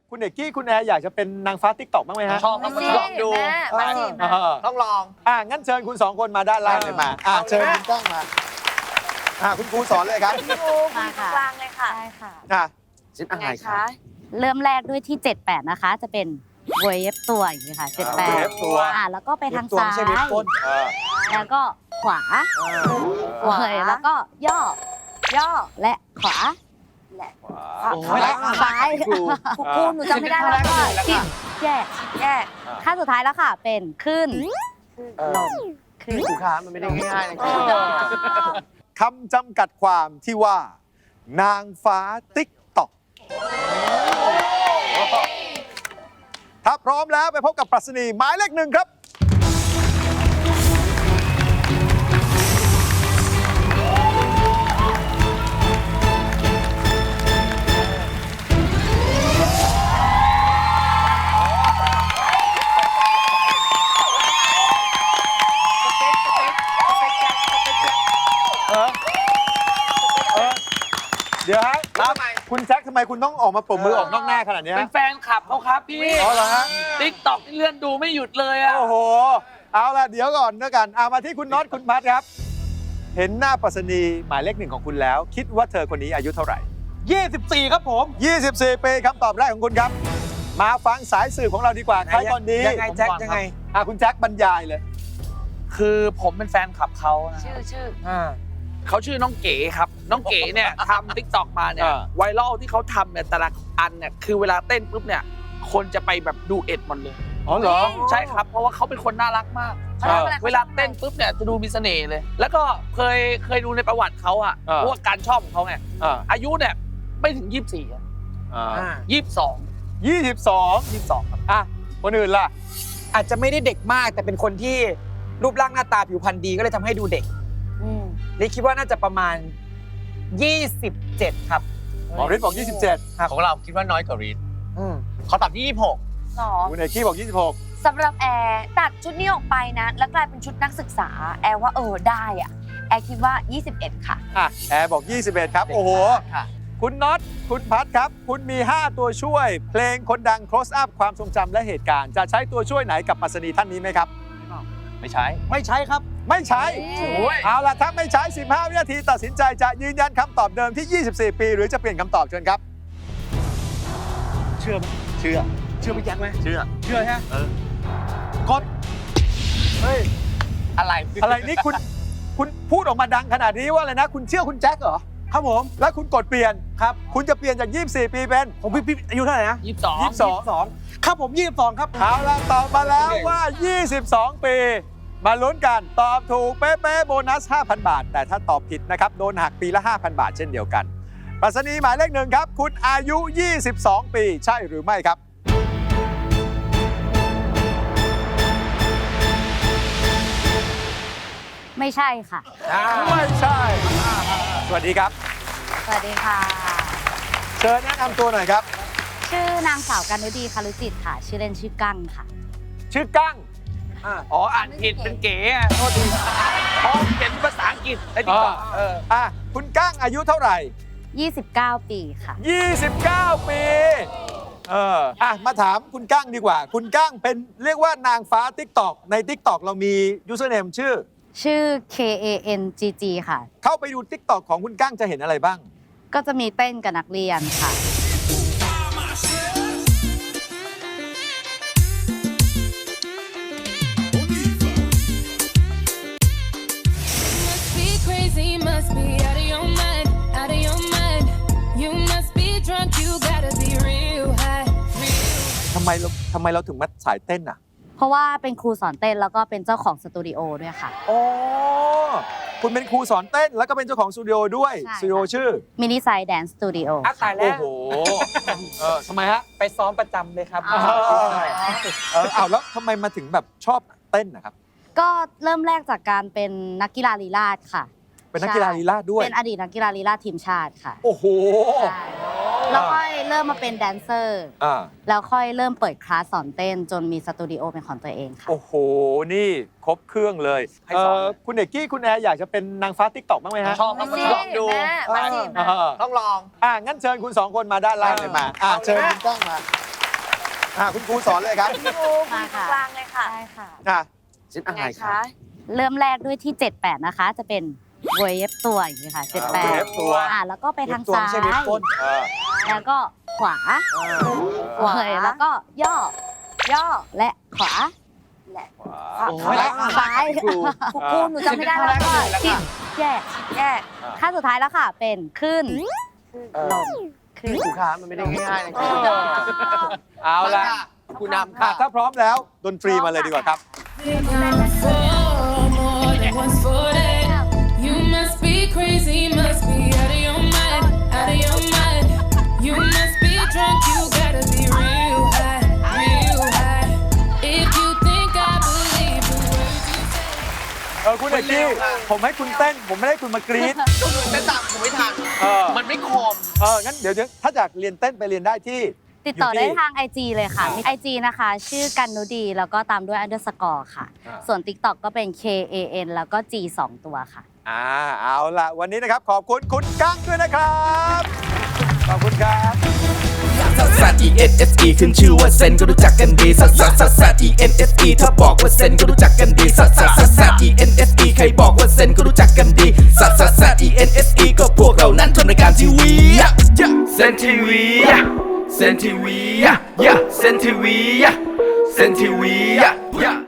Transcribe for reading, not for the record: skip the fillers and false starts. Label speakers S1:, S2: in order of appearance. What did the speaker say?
S1: คุณเอกกี้คุณแอร์อยากจะเป็นนางฟ้าติ๊กต็อกบ้างไหมฮะ
S2: ชอบครับลองดู
S3: มาสิ
S2: ต้องลอง
S1: งั้นเชิญคุณ2คนมาด้านล่างเลยมาเชิญคุณกล้องมาคุณครูสอนเลยครับ
S3: พี่บูมาค่ะกลางเลยค่ะได้ค่ะ
S2: ชิ้นอะไร
S3: ไง
S2: คะ
S3: คะ เริ่มแรกด้วยที่ 78 นะคะ จะเป็นเวฟตัวอย่างนี้ค่ะ
S1: เวฟ
S3: 78
S1: ตัว
S3: แล้วก็ไปทางซ้าย แล้วก็ขวาแล้วก็ย่อ และขวา และ ซ้าย
S1: ครู
S3: หนูจำไม่ได้แล้วก็จิ้มแยกขั้นสุดท้ายแล้วค่ะ เป็นขึ้นลงขึ้น
S2: ครูคะมันไม่ได้ง่ายๆนะ
S1: คำจำกัดความที่ว่า นางฟ้าติ๊กต็อกถ้าพร้อมแล้วไปพบกับปรัชนีหมายเลข1ครับ เดี๋ยวฮะคุณแจ็คทำไมคุณต้องออกมาปรบมือออกนอกหน้าขนาดนี้
S4: เป็นแฟนคลับเขาครับพี่
S1: อ๋อเหรอฮะ
S4: ติ๊กต็อกนี่เลื่อนดูไม่หยุดเลยอะ
S1: โอ้โห เอาล่ะ เดี๋ยวก่อนด้วยกันมาที่คุณน็อตคุณพัทครับ เห็นหน้าปรัชนีหมายเลข1ของคุณแล้ว คิดว่าเธอคนนี้อายุเท่าไหร่
S2: 24 ครับผม
S1: 24 ปีคำตอบแรกของคุณครับ มาฟังสายสืบของเราดีกว่าใครก่อนดี
S2: ยังไงแจ็คยังไง
S1: คุณแจ็คบรรยายเลย
S4: คือผมเป็นแฟนคลับเขานะ
S3: ชื่อ
S4: เขาชื่อน้องเก๋ครับ น้องเก๋เนี่ยทำติ๊กต็อกมาเนี่ย
S1: อ่า
S4: ไวรัลที่เขาทำเนี่ยแต่ละอันเนี่ยคือเวลาเต้นปุ๊บเนี่ยคนจะไปแบบดูเอ็ดหมดเลย
S1: อ๋อเหรอ
S4: ใช่ครับ เพราะว่าเขาเป็นคนน่ารักมาก เวลาเต้นปุ๊บเนี่ยจะดูมีเสน่ห์เลย แล้วก็เคยดูในประวัติเขาอะ
S1: อ่า
S4: เพราะว่าการชอบของเขาไง อายุเนี่ยไม่ถึง 24อะ 22
S1: 22ครับคนอื่นล่ะ
S2: อาจจะไม่ได้เด็กมากแต่เป็นคนที่รูปร่างหน้าตาผิวพรรณดีก็เลยทำให้ดูเด็กลิคิดว่าน่าจะประมาณ 27 ครับ
S1: หมอฤทธิ์บอก 27
S5: ของเราคิดว่าน้อยกว่ารีดเขาตอบที่
S1: คุณเอกกี้บอก 26
S3: สำหรับแอร์ตัดชุดนี้ออกไปนะ แล้วกลายเป็นชุดนักศึกษา แอร์ว่าได้อะแอร์คิดว่า 21 ค่ะ
S1: แอร์บอก 21 ครับ โอ้โห
S5: ค่ะ
S1: คุณน็อต คุณพัทครับ คุณมี 5 ตัวช่วย เพลงคนดัง close up ความทรงจำและเหตุการณ์ จะใช้ตัวช่วยไหนกับปรัชนีท่านนี้ไหมครับ
S5: ไม่ใช้
S2: ไม่ใช้ครับ
S1: ไม่ใช้
S5: โอ้ย
S1: เอาล่ะ ถ้าไม่ใช้ 15 วินาทีตัดสินใจจะยืนยันคำตอบเดิมที่ 24 ปี หรือจะเปลี่ยนคำตอบเชิญครับ
S5: เชื่อไหมเชื่อ
S2: เชื่อพี่แจ็คไหม
S5: เชื่อ
S2: เชื่อใช่ไหม
S1: กด เฮ้ย
S5: อะไร
S1: อะไรนี่คุณพูดออกมาดังขนาดนี้ว่าอะไรนะ คุณเชื่อคุณแจ็คเหรอ
S2: ครับผม
S1: แล้วคุณกดเปลี่ยน
S2: ครับ
S1: คุณจะเปลี่ยนจาก 24 ปีเป็น
S2: ผมพี่อายุเท่าไหร่นะ
S4: 22
S2: 22ครับผม22ครับ
S1: เอาล่ะตอบมาแล้วว่า 22 ปี มาลุ้นกันตอบถูกเป๊ะๆโบนัส 5,000 บาท แต่ถ้าตอบผิดนะครับ โดนหักปีละ 5,000 บาทเช่นเดียวกันปรัชนีหมายเลข1ครับ คุณอายุ 22 ปี ใช่หรือไม่ครับ
S3: ไม่ใช่ค่ะ
S1: ไม่ใช่ สวัสดีครับ
S3: สวัสดีค่ะ
S1: เชิญแนะนำตัวหน่อยครับ
S3: ชื่อนางสาวกันฤดีคารุจิตค่ะ ชื่อเล่นชื่อกั้งค่ะ
S1: ชื่อกั้ง
S4: อ๋ออ่านผิดเป็นเก๋อะโทษทีอ๋อเขียนเป็นภาษาอังกฤษในติ๊กต็อก
S1: คุณกั้งอายุเท่าไหร่
S3: 29 ปีค่ะ
S1: 29 ปีมาถามคุณกั้งดีกว่า คุณกั้งเป็นเรียกว่านางฟ้า TikTok ใน TikTok เรามียูสเนมชื่อ
S3: KANGG ค่ะ
S1: เข้าไปดู TikTok ของคุณกั้งจะเห็นอะไรบ้าง
S3: ก็จะมีเต้นกับนักเรียนค่ะ
S6: Must be crazy, must be out of your mind, out of your mind. You must be drunk, you gotta be real high, real.
S1: ทำไมเราถึงมาสายเต้นอ่ะ
S3: เพราะว่าเป็นครูสอนเต้นแล้วก็เป็นเจ้าของสตูดิโอด้วยค่ะ
S1: โอ้คุณเป็นครูสอนเต้นแล้วก็เป็นเจ้าของสตูดิโอด้วย
S3: ใช่
S1: สตูดิโอชื่อ
S3: มินิไซด์แดนสตูดิโอ
S2: ตายแล้
S1: โอ้
S2: ว
S1: โหทำไมฮะ
S2: ไปซ้อมประจำเลยครับ
S1: แล้วทำไมมาถึงแบบชอบเต้นนะครับ
S3: ก็เริ่มแรกจากการเป็นนักกีฬาลีลาศค่ะ
S1: เป็นนักกีฬาลีลาศด้วย
S3: เป็นอดีตนักกีฬาลีลาศทีมชาติค่ะ
S1: โอ้โห
S3: ใช่แล้วค่อยเริ่มมาเป็นแดนเซอร์ แล้วค่อยเริ่มเปิดคลาสสอนเต้นจนมีสตูดิโอเป็นของตัวเองค่ะ
S1: โอ้โห นี่ครบเครื่องเลย
S2: ให้สอน
S1: คุณเอกกี้คุณแอร์อยากจะเป็นนางฟ้าติ๊กต็อกบ้างไหมฮะ
S4: ชอบครับลองดู
S3: มาสิ
S1: เออ
S2: ต้องลอง
S1: งั้นเชิญคุณ2คนมาด้านล่างเลยมาเชิญคุณกล้องมาคุณครูสอนเลยครับ
S3: มาค่ะกลางเลยค่ะใช่ค่ะ
S1: อ่ะ
S5: ชิ้นอะไรคะ
S3: เริ่มแรกด้วยที่ 78 นะคะ จะเป็นเวฟตัวอย่างนี้ค่ะ
S1: เวฟตัว
S3: 78แล้วก็ไปทาง
S2: ตัว
S3: ซ้า
S2: ไม่
S3: ย
S2: ใช่เว็บต้น
S3: แล้วก็ขวาแล้วก็ย่อและขวาและ
S1: โอ้ย
S3: ซ้าย
S1: ครู
S3: ครูหนูจำไม่ได้แล้วก็ชิดแยกขั้นสุดท้ายแล้วค่ะ เป็นขึ้นลงขึ้น
S5: ครูคะมันไม่ได้ง่ายๆนะ
S1: เอาละ
S5: คุณนำค่ะ
S1: ถ้าพร้อมแล้วดนตรีมาเลยดีกว่าครับ
S6: More than once for that. You must be crazy, must be out of your mind, out of your mind. You must be drunk, you gotta be real high, real high. If you think I believe the words you say.
S1: คุณเอกกี้ผมให้คุณเต้น ผมไม่ได้คุณมากรี๊ด
S5: แต่ตามผมไม่ทัน มันไม่คม
S1: งั้นเดี๋ยวถ้าอยากเรียนเต้นไปเรียนได้ที่
S3: ติดต่อได้ทาง IG เลยค่ะ มี IG นะคะ ชื่อกันนุดี แล้วก็ตามด้วย underscore ค่ะ ส่วน TikTok ก็เป็น KAN แล้วก็ G 2 ตัวค่ะ
S1: เอาละวันนี้นะครับ ขอบคุณคุณกั้งด้วยนะครับ ขอบคุณครับ
S7: ซัส E N S E ขึ้นชื่อว่าเซนก็รู้จักกันดีซัส E N S E ถ้าบอกว่าเซนก็รู้จักกันดีซัส E N S E ใครบอกว่าเซนก็รู้จักกันดีซัส E N S E ก็พวกเรานั้นทำรายการทีวีเซนทีวีเซนทีวีเซนทีวีเซนทีวี